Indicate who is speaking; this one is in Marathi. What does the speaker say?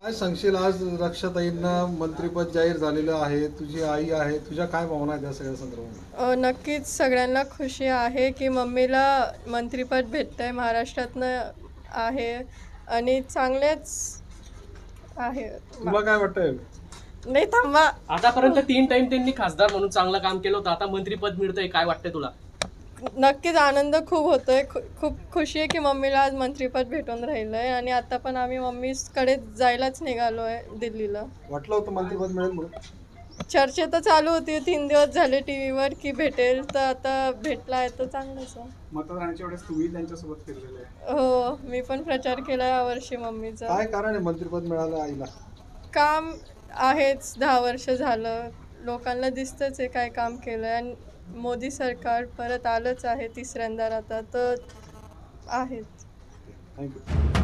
Speaker 1: काय सांगशील, आज रक्षाताईंना मंत्रिपद जाहीर झालेलं आहे, तुझी आई आहे, तुझ्या काय भावना आहेत या सगळ्या संदर्भात?
Speaker 2: नक्कीच सगळ्यांना खुशी आहे की मम्मीला मंत्रिपद भेटतंय महाराष्ट्रातनं आहे आणि चांगलेच आहे.
Speaker 1: तुला काय वाटतंय?
Speaker 2: नाही थांबा.
Speaker 3: आतापर्यंत 3 टाइम त्यांनी खासदार म्हणून चांगलं काम केलं होतं. आता मंत्रीपद मिळतंय, काय वाटतंय तुला?
Speaker 2: नक्कीच आनंद खूप होतोय. खूप खुशी आहे की मम्मीला आज मंत्रिपद भेटून राहिलंय आणि आता पण आम्ही मम्मीकडे जायलाच निघालोय दिल्लीला.
Speaker 1: वाटलं होतं मंत्रिपद मिळेल म्हणून?
Speaker 2: चर्चा तर चालू होती 3 दिवस झाले टीव्हीवर की भेटेल, तर आता भेटला आहे तर चांगलंच आहे.
Speaker 4: मतदानाच्या वेळेस तुम्ही त्यांच्यासोबत फिरलेले आहे.
Speaker 2: हो, मी पण प्रचार केला यावर्षी मम्मीचा.
Speaker 1: काय कारण आहे मंत्रिपद मिळालं आईला?
Speaker 2: काम आहेच 10 वर्ष झालं. लोकांना दिसतंच आहे काय काम केलंय आणि मोदी सरकार परत आलंच आहे तिसऱ्यांदा आता तर आहेच.
Speaker 1: थँक्यू.